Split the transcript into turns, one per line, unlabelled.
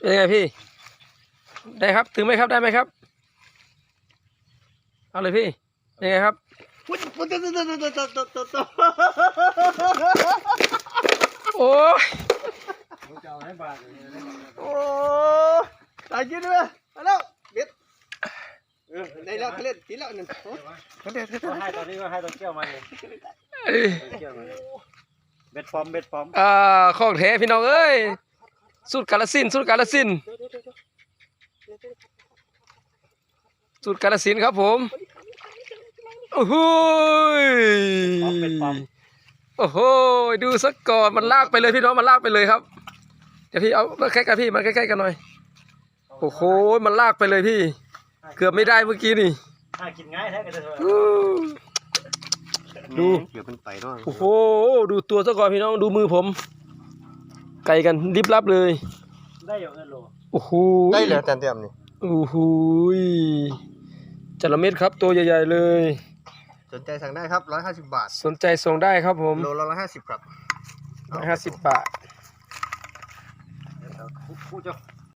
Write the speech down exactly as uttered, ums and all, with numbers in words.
เป็นยังไงพี่ได้ครับถึงไหมครับได้ไหมครับเอาเลยพี่ยังไงครับโอ้ย
โอ้ตายยืนด้วยมาแล้วเบ็ดเออได้แล้วเขาเล่นทีแล้วหนึ่งเขาเด็ดเขา
ให้ตอนนี้ก็ให้ตัวเกี่ยวมาเลยเกี่ยวมาเลยเบ็ดฟอมเบ็ดฟอม
อ่าของแท้พี่น้องเอ้ยสูตรกาลสินธุ์สูตรกาลสินธุ์สูตรกาลสินธุ์ครับผมโอ้โห
ฟอมเบ็ดฟอม
โอ้โหดูสักก่อนมันลากไปเลยพี่น้องมันลากไปเลยครับเดี๋ยวพี่เอามาใกล้กันพี่มาใกล้ๆกันหน่อยโอ้โหมันลากไปเลยพี่เกือบไม่ได้เมื่อกี้นี่
หากินง่ายแท้กันเลย
ดู
เดี๋ยวมันไต่ด้วย
โอ้โหดูตัวซะก่อนพี่น้องดูมือผมไกลกันริบลับเลย
ได้อยู่เงินโล
โอ้โห
ได้เลยจานเต็มนี่
โอ้โหจระเม็ดครับตัวใหญ่ๆเลย
สนใจสั่งได้ครับร้อยห้าสิบบาท
สนใจส่งได้ครับผม
โลละร้อยห้าสิบครับ
ร้อยห้าสิบบาท
คู่เจ้า